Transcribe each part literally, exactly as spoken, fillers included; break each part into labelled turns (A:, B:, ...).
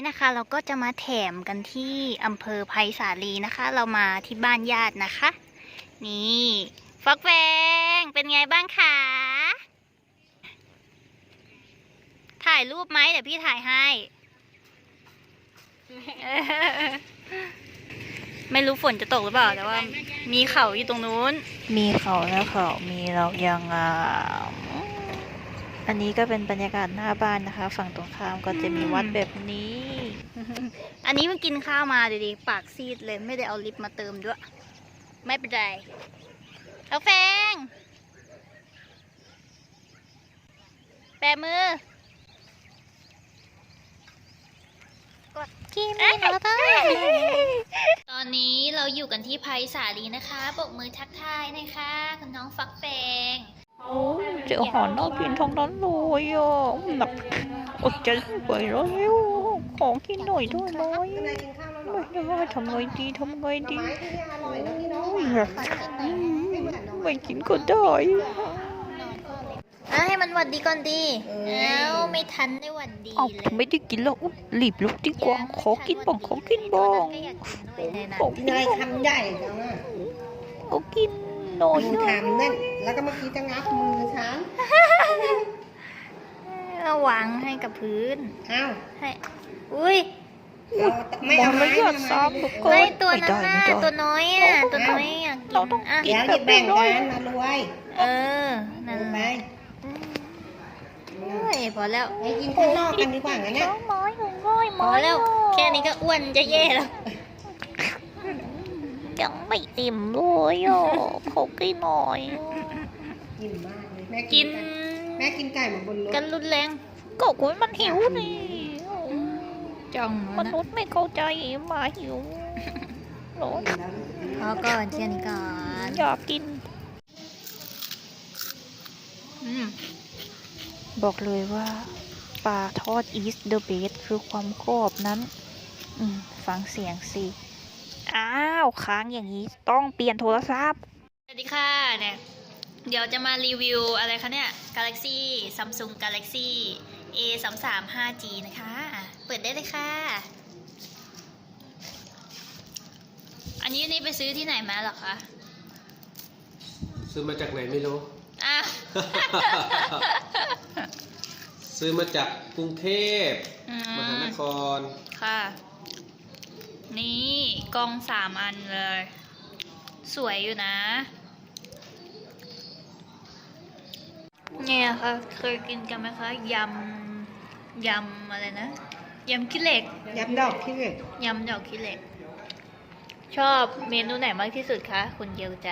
A: นะคะเราก็จะมาแถมกันที่อำเภอไผ่สาลีนะคะเรามาที่บ้านญาตินะคะนี่ฟักแฟงเป็นไงบ้างคะถ่ายรูปไหมเดี๋ยวพี่ถ่ายให้ไม่รู้ฝนจะตกหรือเปล่าแต่ว่ามีเขาอยู่ตรงนู้นมีเขาแล้วเขามีเรายังอ่ะอันนี้ก็เป็นบรรยากาศหน้าบ้านนะคะฝั่งตรงข้ามก็จะมีวัดแบบนี้ อันนี้เพิ่งกินข้าวมาดีๆปากซีดเลยไม่ได้เอาลิปมาเติมด้วยไม่เป็นไรเอาแฟงแปะมือกดกินไม่ได้ตอนนี้เราอยู่กันที่ไผ่สาลีนะคะปรบมือทักทายนะคะคุณน้องฟักแฟง
B: โอ้เจอหอนน่ากินทั้งนั้นเลยอ่ะแบบอดใจไม่ไหวแล้วขอกินหน่อยได้ไหมไม่ได้ทำไงดีทำไงดีไม่กินก็ได้
A: ให้มันหวัดดีก่อนดีแล้วไม่ทันได้หวัดดีเลย
B: ไม่ได้กินแล้วรีบลุกดีกว่าขอกินบ้างขอกินบ้างขอกิน
C: อะไรคำใหญ่จังอ่ะ
B: ขอกินหน่อย
C: มือทำนั่นแล้วก็เมื่อกี้จะงับมือฉัน
A: เอาวางให้กับพื้น
C: อ้าว
A: ให้อุ้ย
C: ไม่เอาไม้
B: ยอดซ้ำทุกคน
A: ไม่ตัวนั้นน่ะตัวน้อยอ่ะตัวน้อยอ่ะกินอ่ะ
C: เดี๋ยวจะแบ่งกันนะรวย
A: เออนั่น
C: ไป
A: โอ้ยพอแล้ว
C: ไปกินข้างนอกกันดีกว่างั้นเนี่ย
B: น้อยน้อย
A: พอแล้วแค่นี้ก็อ้วนจะแย่แล้ว
B: ยังไม่อิ่มเลยอ่ะขอกินหน่อย
C: กินมากเลยแม่
A: กิน
C: แม่กินไก่หมดบนรถ
A: กันรุนแรง
B: ก็คุยมันหิวนี่
A: จัง
B: มนุษย์ไม่เข้าใจหมาหิวร้อน
A: พอก่อนแค่นี้ก่อน
B: อยากกิน
A: อืม
B: บอกเลยว่าปลาทอด is the best คือความกรอบนั้นอืมฟังเสียงสิอ้าวค้างอย่างนี้ต้องเปลี่ยนโทรศัพท์
A: สวัสดีค่ะเนี่ยเดี๋ยวจะมารีวิวอะไรคะเนี่ย Galaxy Samsung Galaxyเอ สามสาม ห้าจี นะคะอ่ะเปิดได้เลยค่ะ อันนี้นี่ไปซื้อที่ไหนมาหรอคะ
D: ซื้อมาจากไหนไม่รู้
A: อ่ะ
D: ซื้อมาจากกรุงเทพ
A: อื
D: มหานคร
A: ค่ะ นี่กล้องสามอันเลย สวยอยู่นะ เนี่ยค่ะเคยกินกันไหมคะยำยำอะไรนะยำขี้เหล็ก
C: ยับดอกที่เหล็ก
A: ยำดอกขี้เหล็ก ชอบเมนูไหนมากที่สุดคะคุณเยียวใจ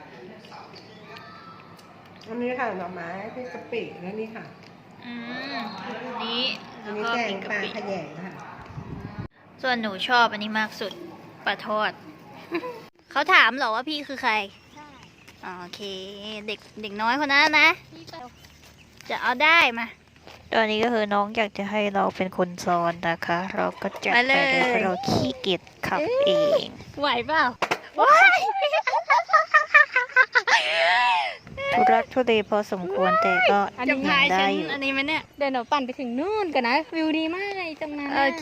C: อันนี้ค่ะหน่อไม้ที่กะปิแล้วนี่ค่ะ
A: อืมอันนี้
C: อั
A: แล้
C: น
A: ว
C: นี้
A: ก็
C: แก
A: พริ
C: ง
A: กกะ
C: ปลา
A: ปิ
C: ขยงค่ะ
A: ส่วนหนูชอบอันนี้มากสุดปลาทอด เขาถามเหรอว่าพี่คือใครอ๋อโอเคเด็กเด็กน้อยคนนั้นนะ จะเอาได้มา
B: ตอนนี้ก็คือน้องอยากจะให้เราเป็นคนซ้อนนะคะ เราก็จัด
A: ไป
B: ไป
A: เล
B: เลย ยเพราะเราขี้เกียจขับเอง
A: ไหวเปล่าว้าย
B: ทุรักทุเลพอสมควรแต่ก็
A: จะ
B: ยัง
A: พาย
B: ได้
A: ฉัน
B: อยู่
A: อันนี้ไหมเนี่ย
E: เดินหนูปั่นไปถึงนู่นกันนะ วิวดีมากเลยตรงนั้น
A: โอเค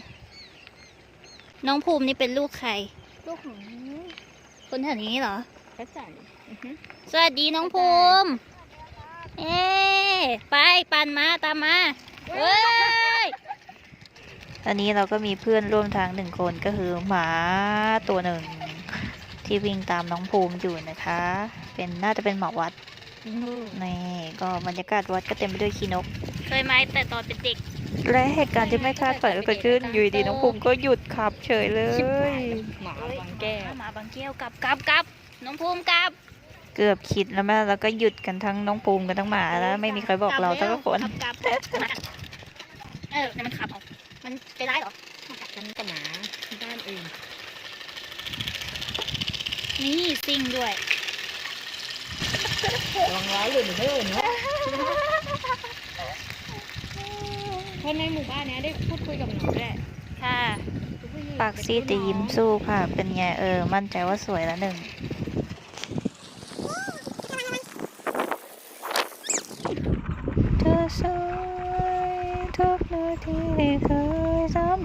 A: น้องภูมินี่เป็นลูกใคร
E: ลูกของ
A: คนแถวนี้เหรอ
E: พระจันทร์
A: สวัสดีน้องภูมิ เอ๊ไปปั่นมาตามมาเฮ้ย
B: อันนี้เราก็มีเพื่อนร่วมทางหนึ่งคนก็คือหมาตัวหนึ่งที่วิ่งตามน้องภูมิอยู่นะคะ เป็นน่าจะเป็นหมาวัดนี่ก็บรรยากาศวัดก็เต็มไปด้วยขี้นก
A: เคยไหมแต่ตอนเป็นเด็ก
B: และเหตุการณ์ที่ไม่คาดฝันก็เกิดขึ้นอยู่ดีๆน้องภูมิก็หยุดขับเฉยเลย
E: หมาบางแก้ว
A: หมาบางแก้วกลับกลับกลับน้องภูมิกลับ
B: เกือบคิดแล้วแม่แล้วก็หยุดกันทั้งน้องภูมิกันทั้งหมาแล้วไม่มีใครบอกเราสักคน
A: กลับกลับเออแต่มันขับออกมันไปร้ายเหรอ
E: ฉันกับหมาที่บ้านเอง
A: นี่ซิ่งด้วย
E: ลองร้ายหรือไม่เอ่ยเนาะคนในหมู่บ้านเนี้ยได้พูดคุยกับหนูด้วย
A: ค่ะ
B: ปากซีดแต่ยิ้มสู้ค่ะ เป็นไงเออมั่นใจว่าสวยแล้วหนึ่งเธอสวยทุกนาทีที่เคยสัม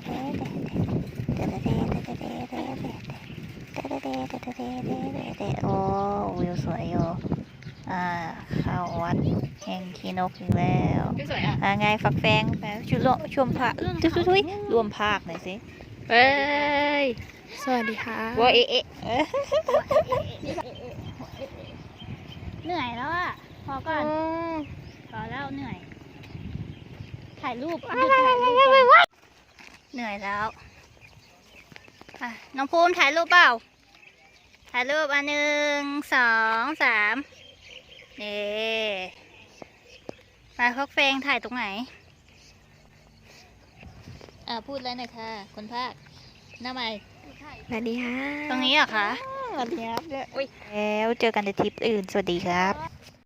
B: โอ้วิวสวยอยู่อ่าเข้าวัดแห่งคีนกอีกแล้ว
E: พี่สวยอ่ะ
B: อ่าไงฝักแฟงแฟช่วยชมพระทุยทุยรวมภาคหน่อยสิ
E: เฮ้ย สวัสดีค่ะ
B: ว่าเอ๊ะเอ๊ะ
A: เหนื่อยแล้วอ่ะ พอก่อน พอแล้วเหนื่อย ถ่ายรูปหยุดถ่ายรูปก่อนเหนื่อยแล้วอ่ะน้องภูมิถ่ายรูปเปล่า ถ่ายรูปอันหนึ่งสองสามนี่มาพักเฟงถ่ายตรงไหน
B: อ่าพูดแล้วหน่อยค่ะคนภาคหน้าใหม่
E: สวัสดีค่ะ
A: ตรงนี้เหรอคะ
B: สวัสดีครับแล้วเจอกันในทริปอื่นสวัสดีครับ